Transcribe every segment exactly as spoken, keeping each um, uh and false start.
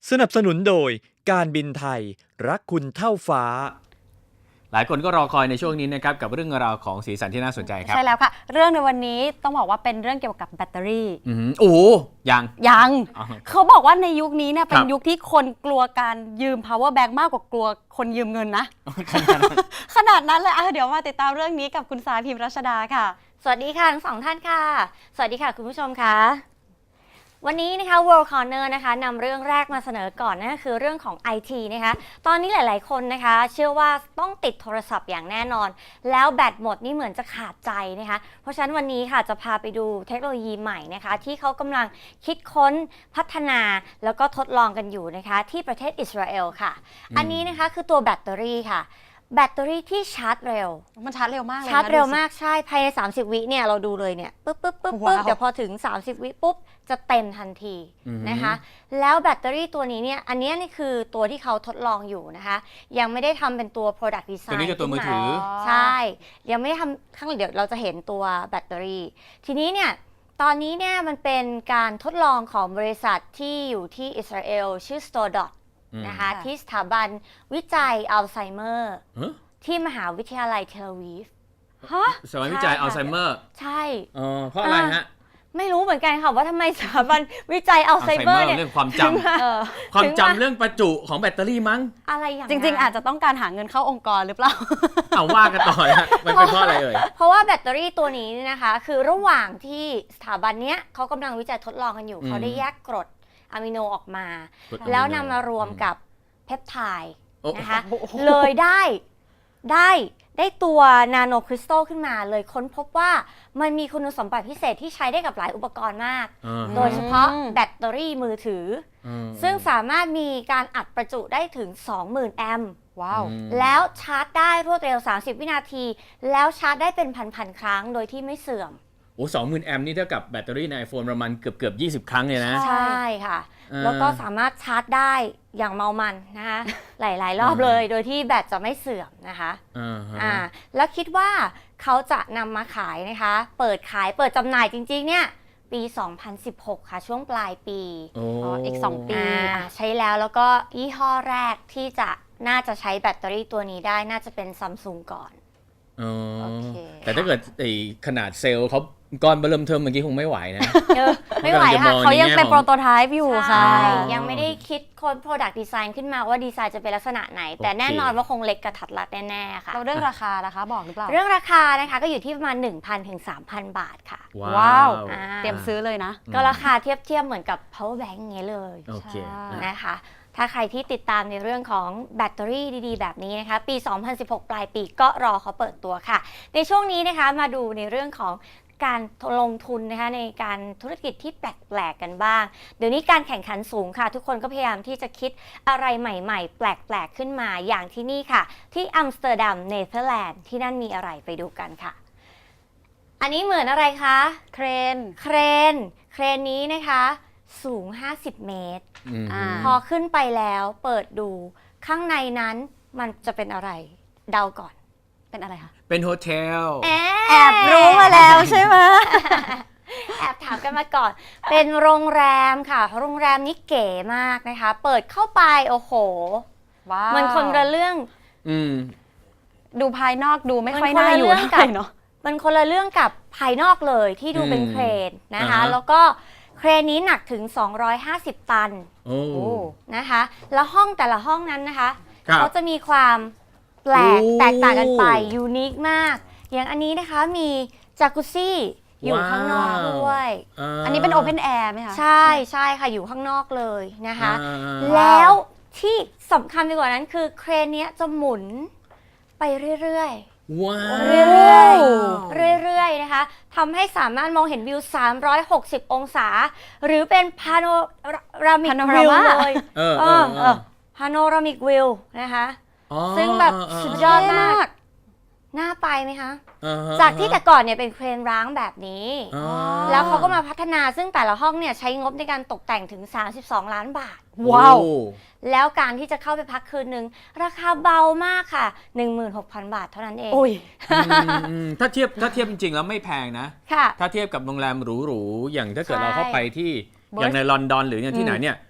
สนับสนุนโดยการบินไทยรักคุณเท่าฟ้าหลายคนก็รอคอยในช่วงนี้นะครับกับเรื่องราวของสีสันที่น่าสนใจครับใช่แล้วค่ะเรื่องในวันนี้ต้องบอกว่าเป็นเรื่องเกี่ยวกับแบตเตอรี่อือโอ้ยังยังเขาบอกว่าในยุคนี้เนี่ยเป็นยุคที่คนกลัวการยืม power bank มากกว่ากลัวคนยืมเงินนะ ขนาดนั้นเลยอ่ะเดี๋ยวมาติดตามเรื่องนี้กับคุณสายพิมพ์รัชดาค่ะสวัสดีค่ะทั้งสองท่านค่ะสวัสดีค่ะคุณผู้ชมค่ะวันนี้นะคะ World Corner นะคะนำเรื่องแรกมาเสนอก่อนนั่นก็คือเรื่องของ ไอ ที นะคะตอนนี้หลายๆคนนะคะเชื่อว่าต้องติดโทรศัพท์อย่างแน่นอนแล้วแบตหมดนี่เหมือนจะขาดใจนะคะเพราะฉะนั้นวันนี้ค่ะจะพาไปดูเทคโนโลยีใหม่นะคะที่เขากำลังคิดค้นพัฒนาแล้วก็ทดลองกันอยู่นะคะที่ประเทศอิสราเอลค่ะอันนี้นะคะคือตัวแบตเตอรี่ค่ะแบตเตอรี่ที่ชาร์จเร็วมันชาร์จเร็วมากเลยชาร์จเร็วมากใช่ภายในสามสิบวิเนี่ยเราดูเลยเนี่ยปึ๊บปึ๊บปึ๊บปึ๊บเดี๋ยวพอถึงสามสิบวิปุ๊บจะเต็มทันทีนะคะแล้วแบตเตอรี่ตัวนี้เนี่ยอันนี้นี่คือตัวที่เขาทดลองอยู่นะคะยังไม่ได้ทำเป็นตัว product design ตัวนี้คือตัวมือถือใช่ยังไม่ได้ทำข้างเดี๋ยวเราจะเห็นตัวแบตเตอรี่ทีนี้เนี่ยตอนนี้เนี่ยมันเป็นการทดลองของบริษัทที่อยู่ที่อิสราเอลชื่อ Stordotนะคะที่สถาบันวิจัยอัลไซเมอร์ที่มหาวิทยาลัยเทลอาวีฟฮะสถาบันวิจัยอัลไซเมอร์ใช่อ๋อเพราะอะไรฮะไม่รู้เหมือนกันค่ะว่าทำไมสถาบันวิจัยอัลไซเมอร์เนี่ยเรื่องความจำความจำเรื่องประจุของแบตเตอรี่มั้งอะไรอย่างจริงๆอาจจะต้องการหาเงินเข้าองค์กรหรือเปล่าเอาว่ากันต่อฮะมันเป็นเพราะอะไรเอ่ยเพราะว่าแบตเตอรี่ตัวนี้นะคะคือระหว่างที่สถาบันเนี้ยเขากำลังวิจัยทดลองกันอยู่เขาได้แยกกรดอะมิโนออกมาแล้วนำมารวมกับเพปไทด์นะคะเลยได้ได้ได้ตัวนาโนคริสตัลขึ้นมาเลยค้นพบว่ามันมีคุณสมบัติพิเศษที่ใช้ได้กับหลายอุปกรณ์มากโดยเฉพาะแบตเตอรี่มือถือซึ่งสามารถมีการอัดประจุได้ถึง สองหมื่น แอมป์ว้าวแล้วชาร์จได้รวดเร็วสามสิบวินาทีแล้วชาร์จได้เป็นพันๆครั้งโดยที่ไม่เสื่อมโอ้สองหมื่นแอมป์นี่เท่ากับแบตเตอรี่ใน iPhone ประมาณเกือบเกือบยี่สิบครั้งเลยนะใช่ค่ะแล้วก็สามารถชาร์จได้อย่างเมามันนะคะหลายๆรอบเลยโดยที่แบตจะไม่เสื่อมนะคะอ่าแล้วคิดว่าเขาจะนำมาขายนะคะเปิดขายเปิดจำหน่ายจริงๆเนี่ยปีสองพันสิบหกค่ะช่วงปลายปีอ๋ออีกสองปีใช้แล้วแล้วก็ยี่ห้อแรกที่จะน่าจะใช้แบตเตอรี่ตัวนี้ได้น่าจะเป็นซัมซุงก่อนแต่ถ้าเกิดไอ้ขนาดเซลล์เขาก้อนเริ่มเทิมเมื่อกี้คงไม่ไหวนะไม่ไหวค่ะเขายังเป็นโปรโตไทป์อยู่ค่ะยังไม่ได้คิดค้น product design ขึ้นมาว่าดีไซน์จะเป็นลักษณะไหนแต่แน่นอนว่าคงเล็กกระทัดรัดแน่ๆค่ะเราเรื่องราคานะคะบอกหรือเปล่าเรื่องราคานะคะก็อยู่ที่ประมาณ หนึ่งพัน ถึง สามพัน บาทค่ะว้าวเตรียมซื้อเลยนะก็ราคาเทียบเทียบเหมือนกับ power bank เงี้ยเลยนะคะถ้าใครที่ติดตามในเรื่องของแบตเตอรี่ดีๆแบบนี้นะคะปีสองพันสิบหกปลายปีก็รอเขาเปิดตัวค่ะในช่วงนี้นะคะมาดูในเรื่องของการลงทุนนะคะในการธุรกิจที่แปลกๆกันบ้างเดี๋ยวนี้การแข่งขันสูงค่ะทุกคนก็พยายามที่จะคิดอะไรใหม่ๆแปลกๆขึ้นมาอย่างที่นี่ค่ะที่อัมสเตอร์ดัมเนเธอร์แลนด์ที่นั่นมีอะไรไปดูกันค่ะอันนี้เหมือนอะไรคะเครนเครนเครนนี้นะคะสูงห้าสิบเมตรพอขึ้นไปแล้วเปิดดูข้างในนั้นมันจะเป็นอะไรเดาก่อนเป็นอะไรคะเป็นโฮเทลแอบรู้มาแล้วใช่ไหมแอบถามกันมาก่อนเป็นโรงแรมค่ะโรงแรมนี้เก๋มากนะคะเปิดเข้าไปโอ้โหว้าวมันคนละเรื่องอืมดูภายนอกดูไม่ค่อยน่าอยู่เนาะมันคนละเรื่องกับภายนอกเลยที่ดูเป็นเครนนะคะแล้วก็เครนนี้หนักถึงสองร้อยห้าสิบตันนะคะแล้วห้องแต่ละห้องนั้นนะคะเขาจะมีความแปลกแตกต่างกันไปยูนิคมากอย่างอันนี้นะคะมีจากุซี่อยู่ข้างนอกด้วยอันนี้เป็นโอเพนแอร์ไหมคะใช่ใช่ค่ะอยู่ข้างนอกเลยนะคะแล้วที่สำคัญไปกว่านั้นคือเครนนี้จะหมุนไปเรื่อยๆว้าวเรื่อยๆเรื่อยๆนะคะทำให้สามารถมองเห็นวิวสามร้อยหกสิบองศาหรือเป็นพาโนรามิกวิวเลยเออเออพาโนรามิกวิวนะคะซึ่งแบบสุดยอดมากน่าไปไหมคะจากที่แต่ก่อนเนี่ยเป็นเครนร้างแบบนี้แล้วเขาก็มาพัฒนาซึ่งแต่ละห้องเนี่ยใช้งบในการตกแต่งถึงสามสิบสองล้านบาทว้าวแล้วการที่จะเข้าไปพักคืนนึงราคาเบามากค่ะ หนึ่งหมื่นหกพัน บาทเท่านั้นเองถ้าเทียบถ้าเทียบจริงๆแล้วไม่แพงนะถ้าเทียบกับโรงแรมหรูๆอย่างถ้าเกิดเราเข้าไปที่อย่างในลอนดอนหรืออย่างที่ไหนเนี่ย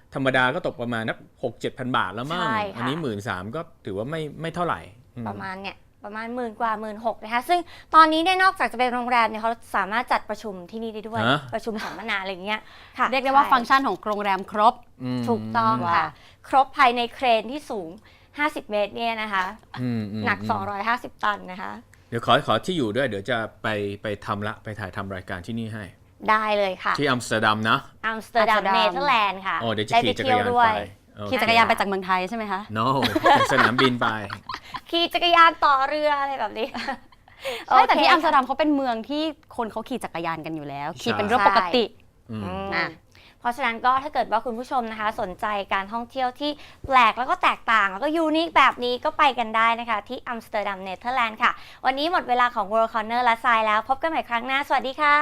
ธรรมดาก็ตกประมาณนักหกเจ็ดพันบาทแล้วมั้งใช่ค่ะอันนี้หมื่นสามก็ถือว่าไม่ไม่เท่าไหร่อืมประมาณเนี่ยประมาณหมื่นกว่าหมื่นหกนะคะซึ่งตอนนี้เนี่ยนอกจากจะเป็นโรงแรมเนี่ยเขาสามารถจัดประชุมที่นี่ได้ด้วยฮะประชุมสัมมนาอะไรอย่างเงี้ยค่ะเรียกได้ว่าใช่ฟังก์ชันของโรงแรมครบอืมถูกต้องว้าค่ะวครบภายในเครนที่สูงห้าสิบเมตรเนี่ยนะคะอืมมหนักมสองร้อยห้าสิบตันนะคะเดี๋ยวขอขอที่อยู่ด้วยเดี๋ยวจะไปไปทำละไปถ่ายทำรายการที่นี่ให้ได้เลยค่ะที่อัมสเตอร์ดัมนะอัมสเตอร์ดัมอัมสเตอร์ดัมเนเธอร์แลนด์ค่ะโอ้เดี๋ยวจะได้ขี่ไปจักรเที่ยวยานด้วไปยโอเคขี่จักรยานไปจากเมืองไทยใช่ไหมคะ no จากสนามบินไปขี่จักรยานต่อเรืออะไรแบบนี้ใช่แต่ที่โเคอัมสเตอร์ดัมเขาเป็นเมืองที่คนเขาขี่จักรยานกันอยู่แล้ว ขี่เป็นเรื่องปกติอืมอืมอ่ะเพราะฉะนั้นก็ถ้าเกิดว่าคุณผู้ชมนะคะ สนใจการท่องเที่ยวที่แปลกแล้วก็แตกต่าง แล้วก็ยูนิคแบบนี้ก็ไปกันได้นะคะ ที่อัมสเตอร์ดัมเนเธอร์แลนด์ค่ะ วันนี้หมดเวลาของ World Corner และทรายแล้ว พบกันใหม่ครั้งหน้า สวัสดีค่ะ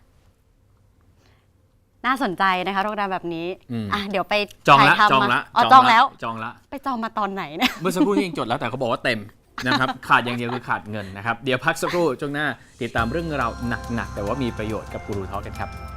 น่าสนใจนะคะโรงแรมแบบนี้อืมอ่ะเดี๋ยวไปจองละถ่ายจองทำละมาอ๋อจองแล้วจองละไปจองมาตอนไหนเนี่ยเมื่อสักครู่นี้ยังจดแล้วแต่เขาบอกว่าเต็มนะครับ ขาดอย่างเดียวคือขาดเงินนะครับ เดี๋ยวพักสักครู่ช่วงหน้าติดตามเรื่องราวหนักๆแต่ว่ามีประโยชน์กับกูรูทอล์กกันครับ